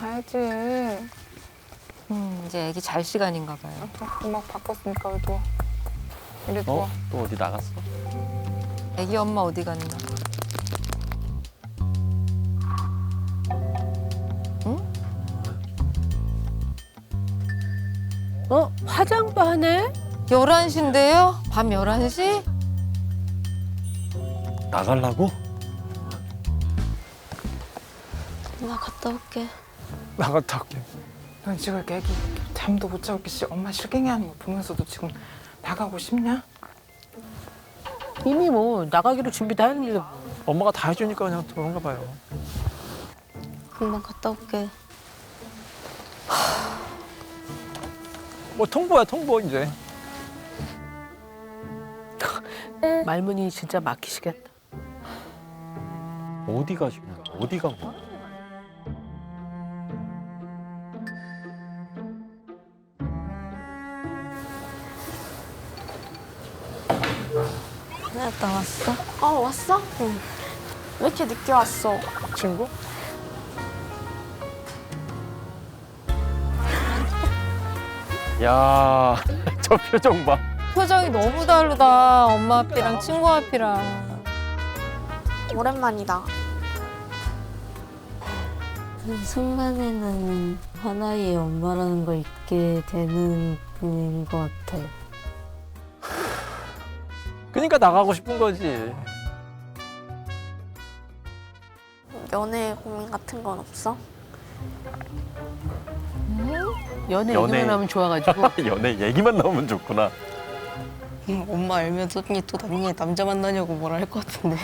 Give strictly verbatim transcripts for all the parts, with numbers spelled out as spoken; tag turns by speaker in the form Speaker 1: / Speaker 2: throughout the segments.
Speaker 1: 가야지.
Speaker 2: 음, 이제 애기 잘 시간인가 봐요.
Speaker 1: 음악 바꿨으니까 그래도. 이래 좋아.
Speaker 3: 어? 또 어디 나갔어?
Speaker 2: 애기 엄마 어디 갔나?
Speaker 4: 어? 화장도 하네?
Speaker 2: 열한 시인데요? 밤 열한 시?
Speaker 3: 나가려고?
Speaker 5: 나 갔다 올게.
Speaker 6: 나갔다 올게.
Speaker 1: 넌 지금 이렇게 애기 잠도 못 자고 이렇게 씨 엄마 실갱이하는 거 보면서도 지금 나가고 싶냐?
Speaker 4: 이미 뭐 나가기로 준비 다 했는데
Speaker 6: 엄마가 다 해주니까 그냥 그런가 봐요.
Speaker 5: 금방 갔다 올게.
Speaker 6: 뭐 통보야 통보 이제.
Speaker 4: 말문이 진짜 막히시겠다.
Speaker 3: 어디 가시냐? 어디 간 거야?
Speaker 5: 나 왔어?
Speaker 7: 어, 왔어? 응. 왜 이렇게 늦게 왔어?
Speaker 6: 친구?
Speaker 3: 야, 저 표정 봐.
Speaker 2: 표정이 너무 다르다. 엄마 앞이랑 친구 앞이랑.
Speaker 7: 오랜만이다.
Speaker 5: 그 순간에는 하나의 엄마라는 걸 잊게 되는 분인 것 같아요.
Speaker 6: 그러니까 나가고 싶은 거지.
Speaker 7: 연애 고민 같은 건 없어?
Speaker 4: 연애
Speaker 3: 연애.
Speaker 4: 얘기만 하면 좋아가지고
Speaker 3: 연애 얘기만 나오면 좋구나.
Speaker 5: 음, 엄마 알면 또, 언니 또 나중에 남자 만나냐고 뭐라 할 것 같은데.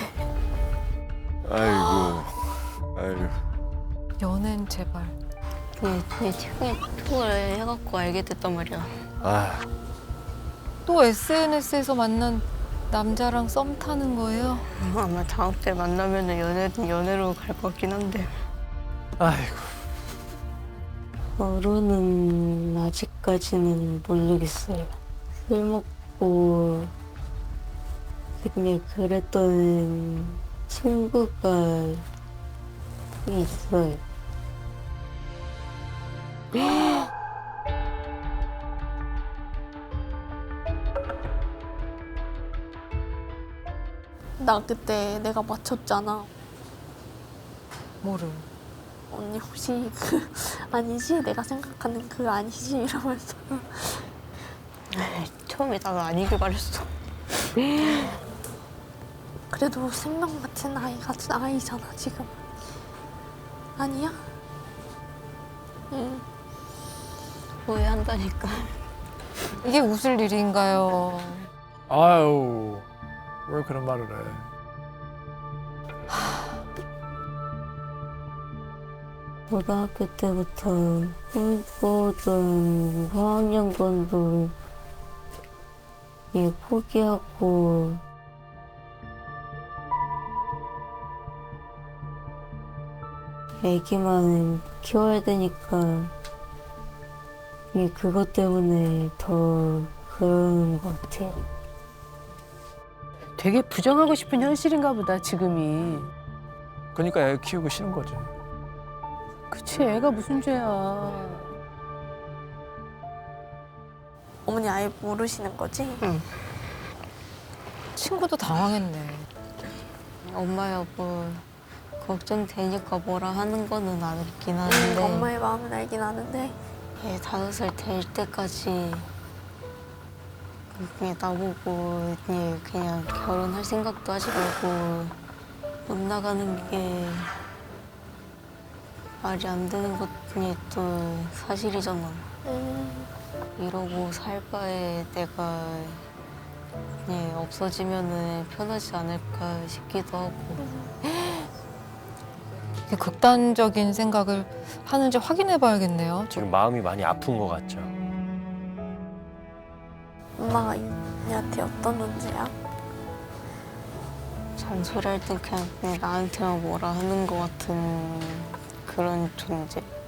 Speaker 3: 아이고, 아이고.
Speaker 2: 연애는 제발.
Speaker 5: 근데, 근데 최근에 톡을 해갖고 알게 됐단 말이야.
Speaker 3: 아,
Speaker 2: 또 에스엔에스에서 만난 남자랑 썸 타는 거예요?
Speaker 5: 아마 다음 때 만나면 연애는 연애로 갈 것 같긴 한데.
Speaker 6: 아이고.
Speaker 5: 결혼은 아직까지는 모르겠어요. 술 먹고 그냥 그랬던 친구가 있어요.
Speaker 7: 나 그때 내가 맞췄잖아.
Speaker 2: 뭐를?
Speaker 7: 언니 혹시 그 아니지? 내가 생각하는 그 아니지? 이러면서.
Speaker 5: 처음에 나가 아니길 바랬어.
Speaker 7: 그래도 생명 같은 아이가 아이잖아 지금. 아니야? 응.
Speaker 5: 후회한다니까.
Speaker 2: 이게 웃을 일인가요?
Speaker 6: 아유. 왜 그런 말을 해?
Speaker 5: 고등학교 때부터 꿈꾸던 화학연구원도 예, 포기하고 애기만 키워야 되니까 예, 그것 때문에 더 그러는 것 같아요.
Speaker 4: 되게 부정하고 싶은 현실인가 보다 지금이.
Speaker 6: 그러니까 애 키우고 싫은 거지.
Speaker 4: 그치 애가 무슨 죄야.
Speaker 7: 어머니 아예 모르시는 거지?
Speaker 5: 응.
Speaker 2: 친구도 당황했네.
Speaker 5: 엄마 여보 걱정되니까 뭐라 하는 거는 알긴 하는데
Speaker 7: 엄마의 마음은 알긴 아는데.
Speaker 5: 얘 다섯 살 될 때까지 그냥 나보고 그냥, 그냥 결혼할 생각도 하지 말고 못 나가는 게 말이 안 되는 것이 또 사실이잖아.
Speaker 7: 음,
Speaker 5: 이러고 살 바에 내가 그냥 없어지면은 편하지 않을까 싶기도 하고.
Speaker 2: 이렇게 극단적인 생각을 하는지 확인해 봐야겠네요.
Speaker 3: 지금 마음이 많이 아픈 것 같죠?
Speaker 7: 엄마가 언니한테 어떤 존재야?
Speaker 5: 잔소리할 땐 그냥, 그냥 나한테만 뭐라 하는 것 같은 그런 존재.